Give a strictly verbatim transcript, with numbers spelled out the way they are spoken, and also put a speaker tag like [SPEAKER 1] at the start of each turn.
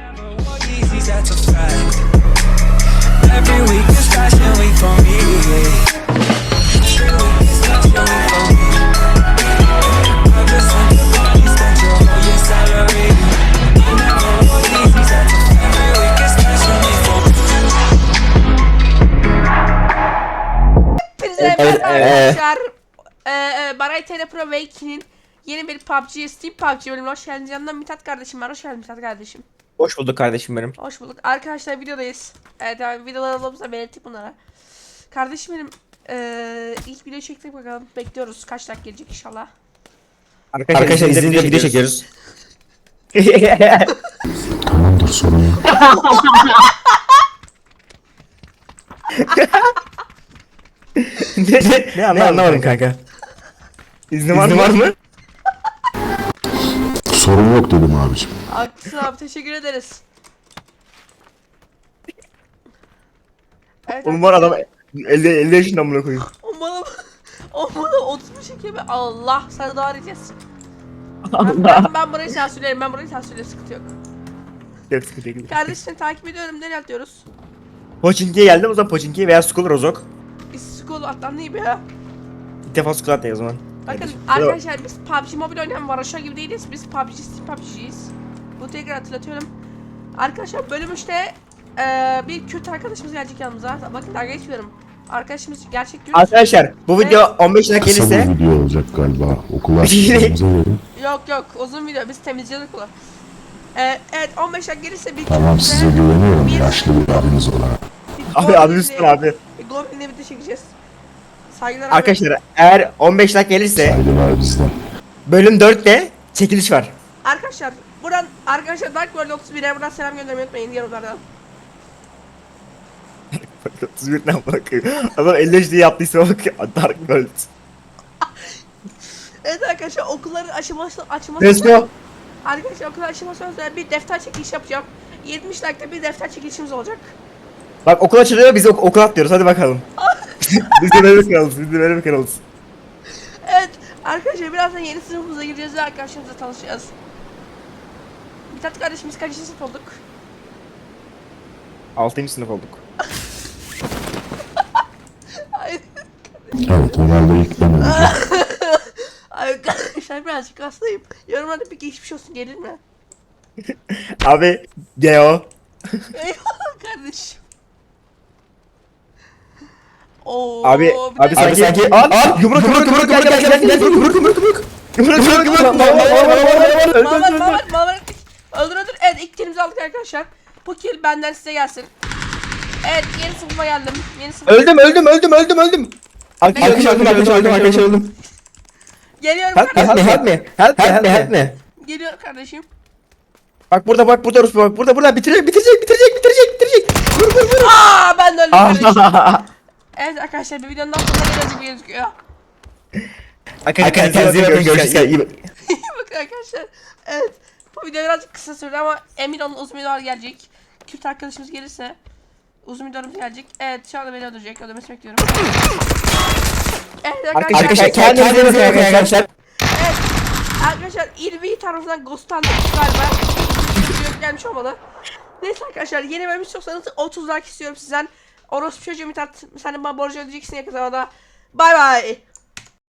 [SPEAKER 1] Evet, arkadaşlar, e, e, Baray T R Pro ve iki'nin yeni bir P U B G, Steam P U B G bölümüne hoş geldiniz. Yanımda Mithat kardeşim var. Hoş geldin Mithat kardeşim.
[SPEAKER 2] Hoş bulduk kardeşim benim.
[SPEAKER 1] Hoş bulduk. Arkadaşlar videodayız. Evet, yani videolarımızda belirttik bunlara. Kardeşim benim, e, ilk video çektik bakalım. Bekliyoruz. Kaç dakika gelecek inşallah.
[SPEAKER 2] Arkadaşlar, Arkadaşlar izninizle video çekiyoruz.
[SPEAKER 3] Tamamdır, sorun yok.
[SPEAKER 2] ne, ne, ne anlamadım kanka. kanka. İzni var, var mı?
[SPEAKER 3] Sorun yok dedim abicim.
[SPEAKER 1] Haklısın abi, teşekkür ederiz. Evet,
[SPEAKER 2] Oğlum var adam elli elli yaşında amına koyayım.
[SPEAKER 1] o bana o bana otuz çekiyor ve Allah sana daha arayacağız. Ben, ben, ben burayı sansürlerim. Ben burayı sansürlerim. Sıkıntı yok.
[SPEAKER 2] Yok sıkıntı değil.
[SPEAKER 1] Kardeşini takip ediyorum. Nereye atlıyoruz?
[SPEAKER 2] Pochinki'ye geldim o zaman Pochinki veya Skull Rozok.
[SPEAKER 1] Biz school atlandı be.
[SPEAKER 2] Bir defa Skull atlayı o zaman.
[SPEAKER 1] Bakın
[SPEAKER 2] Kardeşim.
[SPEAKER 1] arkadaşlar, biz P U B G Mobile oynayan Varoşa gibi değiliz. Biz P U B G, Steam P U B G'yiz. Bunu tekrar hatırlatıyorum. Arkadaşlar bölüm üçte e, bir kötü arkadaşımız gelecek yanımıza. Bakın dalga geçmiyorum. Arkadaşımız gerçek diyoruz.
[SPEAKER 2] Arkadaşlar bu video on beş dakika
[SPEAKER 3] Kısa
[SPEAKER 2] gelirse
[SPEAKER 3] bir video olacak galiba. Okula açtığımıza verin.
[SPEAKER 1] Yok yok, uzun video, biz temizliyorduk bunu. E, evet, on beş dakika gelirse bir
[SPEAKER 3] Tamam, size güveniyorum yaşlı bir abiniz olarak.
[SPEAKER 2] abi abi üstüne abi.
[SPEAKER 1] Globin'le bir de çekeceğiz. Saygılar abi.
[SPEAKER 2] Arkadaşlar eğer on beş dakika gelirse
[SPEAKER 3] Saygılar bizden.
[SPEAKER 2] bölüm dörtte çekiliş var.
[SPEAKER 1] Arkadaşlar buradan, arkadaşlar Dark World otuz bir'e buradan selam göndermeyi unutmayın yorumlardan.
[SPEAKER 2] otuz bir ne bakıyor. Adam elli yaş diye yaptıysa bak Dark World.
[SPEAKER 1] Evet arkadaşlar, okulların aşaması açılması.
[SPEAKER 2] Let's go.
[SPEAKER 1] Arkadaşlar okulların aşaması özel bir defter çekiliş yapacağım. yetmiş like'da bir defter çekilişimiz olacak.
[SPEAKER 2] Bak okul açılıyor biz ok okul atlıyoruz hadi bakalım. biz de böyle kanalız biz de böyle kanalız.
[SPEAKER 1] Evet arkadaşlar, birazdan yeni sınıfımıza gireceğiz ve arkadaşlarımızla tanışacağız. Mithat kardeşimiz kaçıncı sınıf olduk?
[SPEAKER 2] altıncı sınıf olduk.
[SPEAKER 1] Ay,
[SPEAKER 3] Evet, herhalde ilk ben öleceğim.
[SPEAKER 1] ay arkadaşlar birazcık hastayım. Yorumlarda bir geçmiş olsun gelir mi?
[SPEAKER 2] Abi Geo.
[SPEAKER 1] Eyvallah kardeşim. Oo,
[SPEAKER 2] Abi
[SPEAKER 1] bir
[SPEAKER 2] abi
[SPEAKER 1] dakika.
[SPEAKER 2] sanki sanki al al yumruk yumruk yumruk gel gel gel gel yumruk yumruk yumruk. Yumruk yumruk yumruk.
[SPEAKER 1] Malvar malvar malvar öldür öldür. Evet, ilk kilimizi aldık arkadaşlar. Bu kill benden size gelsin. Evet, yeni sınıfa geldim. Yeni sınıfa.
[SPEAKER 2] Öldüm öldüm öldüm öldüm öldüm. Arkadaşlar öldüm arkadaşlar öldüm arkadaşlar öldüm.
[SPEAKER 1] Geliyorum
[SPEAKER 2] Help me
[SPEAKER 1] kardeşim.
[SPEAKER 2] help me help me help me help me.
[SPEAKER 1] Geliyorum kardeşim.
[SPEAKER 2] Bak burada bak burada Rus bak burada burada bitirecek bitirecek bitirecek bitirecek bitirecek. Vur vur vur.
[SPEAKER 1] Aa, ben de öldüm kardeşim.
[SPEAKER 2] Arkadaşlar
[SPEAKER 1] Evet arkadaşlar, bir videonun daha sonuna geleceğiz gözüküyor.
[SPEAKER 2] kendinize bakın görüşürüz. İyi bak.
[SPEAKER 1] Bakın arkadaşlar. Evet. Bu video birazcık kısa sürdü ama emin olun uzun videolar gelecek. Kürt arkadaşımız gelirse uzun videolarımız gelecek. Evet, şu anda beni öldürecek. Öldürmesi bekliyorum. Evet arkadaşlar.
[SPEAKER 2] Arkadaşlar kendinize bakın arkadaşlar.
[SPEAKER 1] Evet. Arkadaşlar İlvi tarafından ghostlandık galiba. Video gelmiş olmalı. Neyse arkadaşlar, yeni bölüm istiyorsanız otuz like istiyorum sizden. Orospu çocuğu Mithat, sen de bana borcu ödeyeceksin yakın zamanda. Bay bay.